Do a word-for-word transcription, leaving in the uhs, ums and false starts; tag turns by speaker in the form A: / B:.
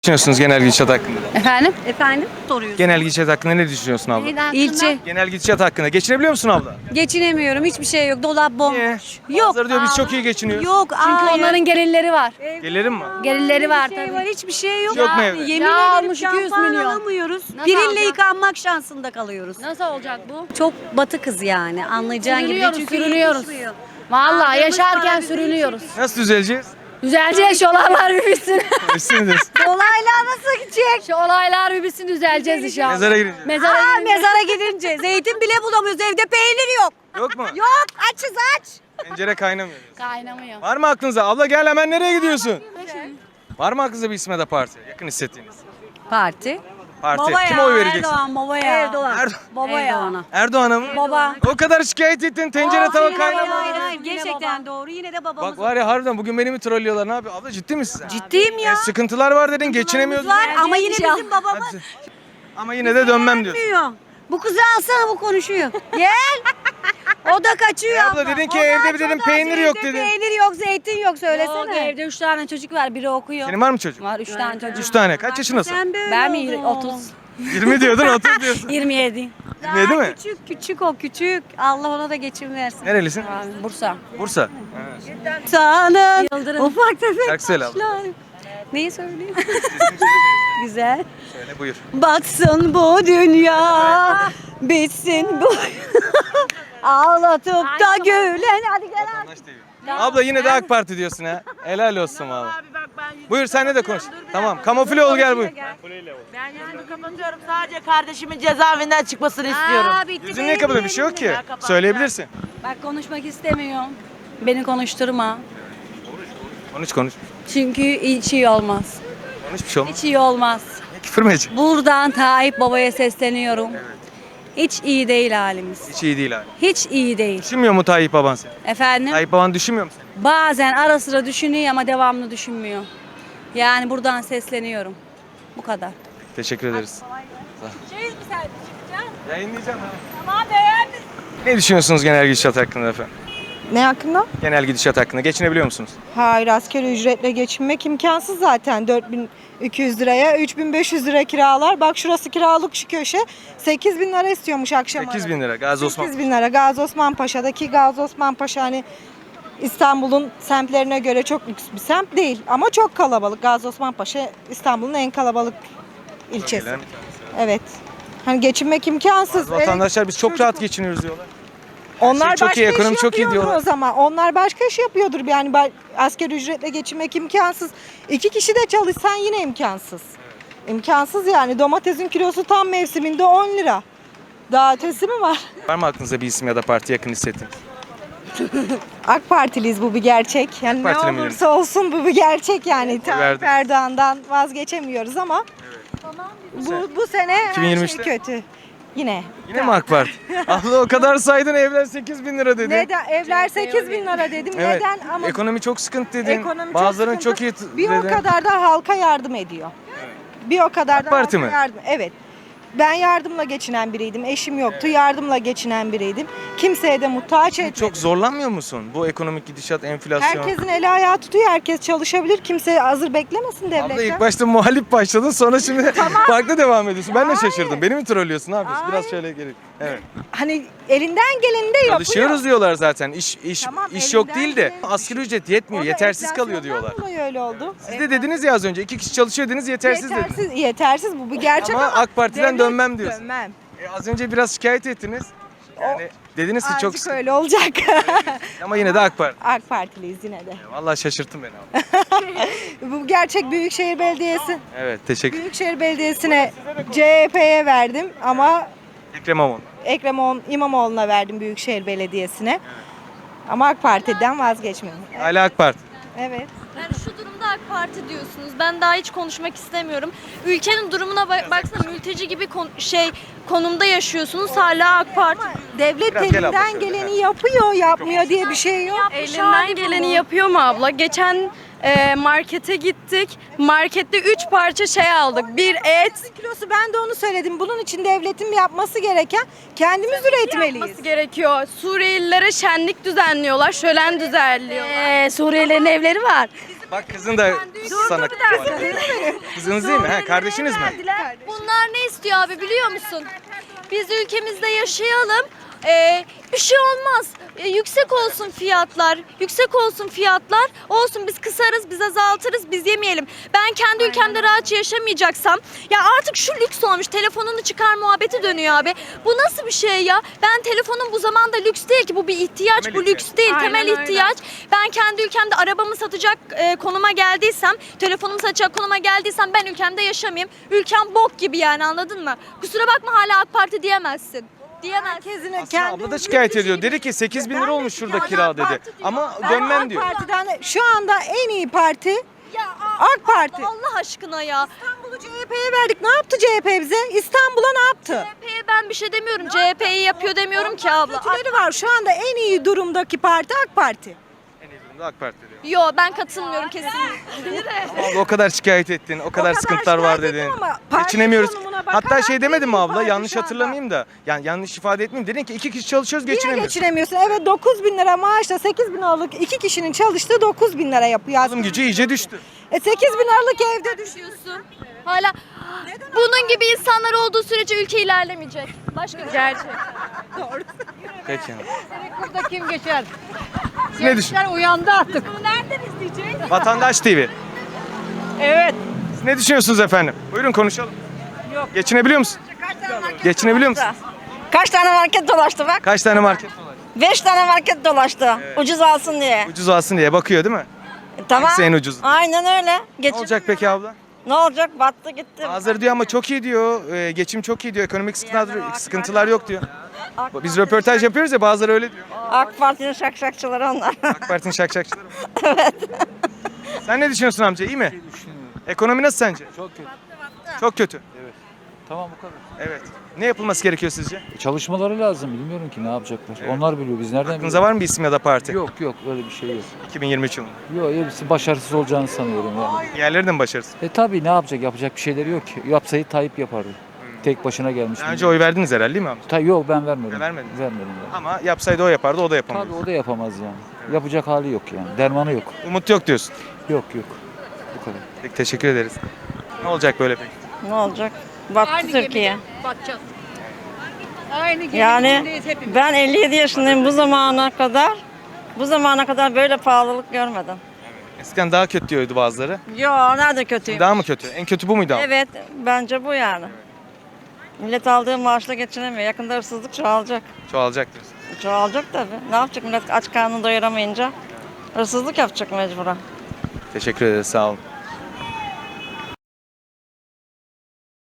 A: Düşünüyorsunuz genel gidişat hakkında?
B: Efendim?
C: Efendim? Soruyorsun.
A: Genel gidişat hakkında ne düşünüyorsun abla?
C: İlçe.
A: Genel gidişat hakkında. Geçinebiliyor musun abla?
C: Geçinemiyorum. Hiçbir şey yok. Dolap bomboş.
A: Niye?
C: Yok.
A: Bazıları diyor biz çok iyi geçiniyoruz.
C: Yok.
B: Çünkü
C: hayır.
B: onların gelirleri var.
A: Gelirim mi?
B: Gelirleri var
C: Hiçbir şey
B: tabii.
C: var. Hiçbir şey yok.
A: Yok mu
C: Ya,
A: evde?
C: Yemin
B: Ya
C: ederim
B: almış iki yüz
C: şampuan
B: milyon.
C: alamıyoruz.
B: Nasıl
C: Birille
B: alacak?
C: yıkanmak şansında kalıyoruz.
B: Nasıl olacak bu?
C: Çok batı kız yani. Anlayacağın gibi.
B: Sürünüyoruz,
C: Çünkü
B: sürünüyoruz.
C: yetişmiyor.
B: Vallahi
C: Aldığımız para
B: yaşarken
C: bizim
B: sürünüyoruz.
A: Nasıl düzeleceğiz?
B: Düzeleceğiz şu olaylar bir bitsin.
A: Üstünüz.
C: Olaylar nasıl gidecek?
B: Şu olaylar bir bitsin düzeleceğiz inşallah.
A: Mezara girince.
B: Mezara
C: Aa,
B: girince.
C: mezara gidince zeytin bile bulamıyoruz. Evde peynir yok.
A: Yok mu?
C: Yok. Açız aç.
A: Tencere kaynamıyor.
B: Kaynamıyor.
A: Var mı aklınıza? Abla gel hemen nereye gidiyorsun? Var mı aklınıza bir isme de parti? Yakın hissettiğiniz.
C: Parti.
A: Parti.
C: Baba
A: Kime
C: ya,
A: oy vereceksin?
C: Erdoğan baba ya. Erdoğan.
A: Erdo-
C: Baba ya.
B: Erdoğan'a.
A: Erdoğan'a mı?
C: Baba.
A: O kadar şikayet ettin tencere tava
C: Hayır, hayır,
A: kaynamıyor.
C: hayır, hayır.
B: Yine
C: Gerçekten doğru. Yine de babamız.
A: Bak var ya harbiden bugün beni mi trollüyorlar ne yapıyor? Abla ciddi misin sen?
C: Ciddiyim ya.
A: E, sıkıntılar var dedin geçinemiyoruz.
C: Var ama yine
B: inşallah.
C: bizim babamız
A: Hadi. Ama yine de dönmem diyorsun.
C: bilmiyor. Bu kızı alsana, bu konuşuyor. Gel. O da kaçıyor.
A: E abla dedin ki
C: O da
A: evde
C: aç,
A: bir
C: o
A: dedim
C: da aç.
A: peynir yok
C: Evde
A: dedin.
C: Peynir yok, zeytin yok,
B: Yok,
C: söylesene.
B: evde üç tane çocuk var, biri okuyor.
A: Senin var mı çocuk?
B: Var üç tane çocuk.
A: Üç tane. Kaç yaşındasın?
C: Sen böyle
B: Ben mi
C: oldun.
B: otuz?
A: yirmi diyordun otuz diyorsun.
B: yirmi yedi.
C: Daha
A: yirmi mi?
C: Küçük küçük o küçük. Allah ona da geçim versin.
A: Nerelisin?
B: Abi, Bursa.
A: Bursa.
C: Sana
B: Yıldırım.
C: ufak tefek
A: Şarkı söyle abla.
C: taşlar. Neyi söyleyeyim? Güzel.
A: Söyle buyur.
C: Batsın bu dünya, bitsin bu. Ağlatıp da gülen. Hadi gel abi.
A: Abla yine de AK Parti diyorsun ha. Helal olsun valla. Buyur senle de konuş. Tamam. Kamufle ol gel buyur.
D: Ben yani kapatıyorum. Sadece kardeşimin cezaevinden çıkmasını istiyorum.
C: Aa, bitti.
A: Yüzün niye kapalı bir şey yok ki. Söyleyebilirsin.
B: Bak konuşmak istemiyorum. Beni konuşturma.
A: Konuş konuş.
B: Çünkü hiç iyi olmaz.
A: Konuş bir şey olmaz.
B: Hiç iyi olmaz.
A: Küfür mü edeceksin?
B: Buradan Tayyip Baba'ya sesleniyorum. Hiç iyi değil halimiz.
A: Hiç iyi değil abi.
B: Hiç iyi değil.
A: Düşünmüyor mu Tayyip baban seni?
B: Efendim?
A: Tayyip baban düşünmüyor mu seni?
B: Bazen ara sıra düşünüyor ama devamlı düşünmüyor. Yani buradan sesleniyorum. Bu kadar.
A: Teşekkür ederiz.
B: Çeyiz mi sen?
A: Yayınlayacağım ha.
B: Tamam beğendim.
A: Ne düşünüyorsunuz genel gidişat hakkında efendim?
E: Ne hakkında?
A: Genel gidişat hakkında. Geçinebiliyor musunuz?
E: Hayır, asgari ücretle geçinmek imkansız zaten. dört bin iki yüz liraya üç bin beş yüz lira kiralar. Bak şurası kiralık şu köşe. sekiz bin lira istiyormuş akşam.
A: sekiz bin lira. Gazi Osman.
E: sekiz bin lira. Gazi Osman Paşa'daki Gazi Osman Paşa hani İstanbul'un semtlerine göre çok lüks bir semt değil. Ama çok kalabalık. Gazi Osman Paşa İstanbul'un en kalabalık ilçesi.
A: Bölgelerin-
E: Evet. Hani geçinmek imkansız.
A: Vatandaşlar biz çok
E: Çocuk-
A: rahat geçiniyoruz diyorlar.
E: Onlar
A: şey çok
E: başka
A: iyi,
E: iş
A: ekonomi çok iyi
E: yapıyordur
A: diyorlar.
E: o zaman. Onlar başka iş yapıyordur. Yani ba- asgari ücretle geçinmek imkansız. İki kişi de çalışsan yine imkansız. İmkansız yani. Domatesin kilosu tam mevsiminde on lira. Daha ötesi mi var?
A: Var mı aklınızda bir isim ya da parti yakın hissettiğiniz?
E: AK Partiliyiz, bu bir gerçek. Yani
A: Partili
E: ne
A: mi
E: olursa olsun bu bir gerçek yani. Tayyip
A: verdim.
E: Erdoğan'dan vazgeçemiyoruz ama bu, bu sene her
A: iki bin yirmi
E: şey
A: üçte?
E: kötü. Yine.
A: Yine mi AK Parti? Abla o kadar saydın evler sekiz bin lira dedin.
E: Neden? Evler sekiz bin lira dedim.
A: Evet.
E: Neden? Ama
A: Ekonomi çok sıkıntı dedin.
E: Ekonomi
A: Bazılarının
E: sıkıntı.
A: çok iyi t-
E: Bir o
A: dedin.
E: kadar da halka yardım ediyor. Bir o kadar da
A: Parti
E: halka
A: mi?
E: yardım. Evet. Ben yardımla geçinen biriydim. Eşim yoktu. Yardımla geçinen biriydim. Kimseye de muhtaç etmedim.
A: Çok zorlanmıyor musun? Bu ekonomik gidişat, enflasyon.
E: Herkesin eli ayağı tutuyor. Herkes çalışabilir. Kimse hazır beklemesin
A: Abla
E: devletten.
A: ilk başta muhalif başladın sonra şimdi farklı devam ediyorsun. Ben de
E: Hayır.
A: şaşırdım. Beni mi trollüyorsun? Ne yapıyorsun? Biraz
E: Hayır.
A: şöyle gelin. Evet.
E: Hani elinden geleni de yapıyor.
A: Çalışıyoruz diyorlar zaten. İş iş
E: Tamam,
A: iş yok
E: elinden
A: değil de
E: geleni-
A: asgari ücret yetmiyor.
E: O da
A: Yetersiz kalıyor
E: enflasyondan
A: diyorlar.
E: dolayı öyle oldu.
A: Siz de dediniz ya az önce iki kişi çalışıyor dediniz yetersiz, dediniz.
E: yetersiz, yetersiz bu bir gerçek
A: Ama
E: ama,
A: AK Parti'den
E: devlet-
A: dönmem diyorsun.
E: Dönmem.
A: E, az önce biraz şikayet ettiniz. Yani dediniz ki çok
E: Azıcık
A: sıkıntı.
E: öyle olacak.
A: Ama yine de AK Parti.
E: AK Partiliyiz yine de.
A: Vallahi şaşırttın beni abi.
E: Bu gerçek Büyükşehir Belediyesi.
A: Evet teşekkür.
E: Büyükşehir Belediyesi'ne C H P'ye verdim ama
A: Ekrem İmamoğlu.
E: Ekrem İmam- İmamoğlu'na verdim Büyükşehir Belediyesi'ne. Ama AK Parti'den vazgeçmedim.
A: Hala AK Parti.
E: Evet.
F: Yani şu durumda AK Parti diyorsunuz. Ben daha hiç konuşmak istemiyorum. Ülkenin durumuna bak baksana, mülteci gibi kon- şey konumda yaşıyorsunuz. Hala AK Parti.
E: Devlet
A: Biraz gel abla
E: elinden
A: şöyle,
E: geleni yapıyor, yapmıyor diye bir şey yok.
F: Elinden geleni yapıyor mu abla? Geçen e, markete gittik. Markette üç parça şey aldık. Bir et
E: Kilosu, ben de onu söyledim. Bunun için devletin yapması gereken kendimiz üretmeliyiz.
F: yapması gerekiyor. Suriyelilere şenlik düzenliyorlar. Şölen düzenliyorlar.
B: Ee, Suriyelilerin evleri var.
F: Bizim
A: Bak kızın da sana kızınız değil mi? He, kardeşiniz mi?
F: Bunlar ne istiyor abi biliyor musun? Biz ülkemizde yaşayalım. Ee, bir şey olmaz. Ee, yüksek olsun fiyatlar. Yüksek olsun fiyatlar. Olsun biz kısarız, biz azaltırız, biz yemeyelim. Ben kendi ülkemde rahatça yaşamayacaksam ya artık şu lüks olmuş. Telefonunu çıkar muhabbeti dönüyor abi. Bu nasıl bir şey ya? Ben telefonum bu zamanda lüks değil ki. Bu bir ihtiyaç.
A: Temel
F: bu
A: ihtiyaç.
F: lüks değil. Temel ihtiyaç. Ben kendi ülkemde arabamı satacak e, konuma geldiysem, telefonumu satacak konuma geldiysem ben ülkemde yaşamayayım. Ülkem bok gibi yani anladın mı? Kusura bakma hala AK Parti diyemezsin. Diyemezsin.
A: Aslında abla da şikayet ediyor. Dedi ki sekiz bin lira olmuş şurada kira dedi. Ama dönmem diyor.
E: AK Parti'den şu anda en iyi parti
F: Ya
E: AK Parti.
F: Allah aşkına ya.
E: İstanbul'u C H P'ye verdik. Ne yaptı C H P bize? İstanbul'a ne yaptı?
F: C H P'ye ben bir şey demiyorum. C H P'yi yapıyor demiyorum ki abla.
E: Kötüleri var. Şu anda en iyi durumdaki parti AK Parti.
A: En iyi durumda AK Parti diyor.
F: Yo ben katılmıyorum kesinlikle.
A: Abla o kadar şikayet ettin, o kadar sıkıntılar var
E: şikayet
A: dedin.
E: ettim ama parti
A: Geçinemiyoruz.
E: konumuna
A: Hatta
E: bakarak
A: şey demedin mi
E: en iyi
A: abla?
E: parti
A: Yanlış
E: şu anda.
A: hatırlamayayım da. Yani yanlış ifade etmeyeyim. Dedin ki iki kişi çalışıyoruz
E: Yine
A: geçinemiyoruz.
E: geçinemiyorsun. Evet dokuz bin lira maaşla sekiz bin liralık iki kişinin çalıştığı dokuz bin lira yapıyor.
A: Alım gücü iyice düştü.
E: E sekiz bin liralık evde düş.
F: Düşüyorsun. Hala bunun gibi insanlar olduğu sürece ülke ilerlemeyecek. Başka bir gerçek.
A: Peki.
G: Burada kim geçer?
A: Siz ne düşünüyorsunuz?
G: Gençler uyandı artık.
A: Vatandaş T V.
G: Evet.
A: Siz ne düşünüyorsunuz efendim? Buyurun konuşalım. Yok. Geçinebiliyor musun? Geçinebiliyor musun?
H: Kaç tane market dolaştı bak?
A: Kaç tane market dolaştı?
H: Beş tane market dolaştı. Ucuz alsın diye.
A: Ucuz alsın diye bakıyor değil mi?
H: E, tamam.
A: hangisi en ucuz?
H: Aynen öyle.
A: Ne
H: Geçin.
A: olacak peki abla?
H: Ne olacak? Battı gitti.
A: Bazıları diyor ama çok iyi diyor. e, geçim çok iyi diyor. Ekonomik sıkıntılar, sıkıntılar yok diyor. Biz röportaj yapıyoruz ya bazıları öyle diyor.
H: AK Parti'nin şakşakçıları onlar.
A: AK Parti'nin şakşakçıları mı? Evet. Sen ne düşünüyorsun amca? İyi mi? Ekonomi nasıl sence?
I: Çok kötü.
A: Çok kötü.
I: Tamam bu kadar.
A: Evet. Ne yapılması gerekiyor sizce?
I: Çalışmaları lazım. Bilmiyorum ki ne yapacaklar. Onlar biliyor. Biz nereden
A: Aklınıza
I: biliyoruz?
A: var mı bir isim ya da parti?
I: Yok yok öyle bir şey yok.
A: iki bin yirmi üç yılında.
I: Yok hepsi başarısız olacağını sanıyorum yani.
A: Diğerleri de mi başarısız?
I: E tabii ne yapacak? Yapacak bir şeyleri yok ki. Yapsaydı Tayyip yapardı. Tek başına gelmiş.
A: Daha önce oy verdiniz herhalde değil mi amca?
I: Ta yok ben vermedim.
A: Vermediniz.
I: Vermedim ben.
A: Ama yapsaydı o yapardı, o da yapamaz.
I: Tabii o da yapamaz yani. Yapacak hali yok yani. Dermanı yok.
A: Umut yok diyorsun.
I: Yok yok. Bu kadar.
A: Peki teşekkür ederiz. Ne olacak böyle peki?
H: Ne olacak? Battı Türkiye.
G: Batacağız. Aynı geminin
H: Yani
G: içindeyiz hepimiz.
H: ben elli yedi yaşındayım bu zamana kadar. Bu zamana kadar böyle pahalılık görmedim.
A: Eskiden daha kötü diyordu bazıları.
H: Yo nerede kötüyüm?
A: Daha mı kötü? En kötü bu muydu abi?
H: Evet bence bu yani. Millet aldığı maaşla geçinemiyor. Yakında hırsızlık çoğalacak.
A: Çoğalacak diyorsun.
H: Çoğalacak tabii. Ne yapacak millet aç karnını doyuramayınca? Hırsızlık yapacak mecburen.
A: Teşekkür ederiz, sağ olun.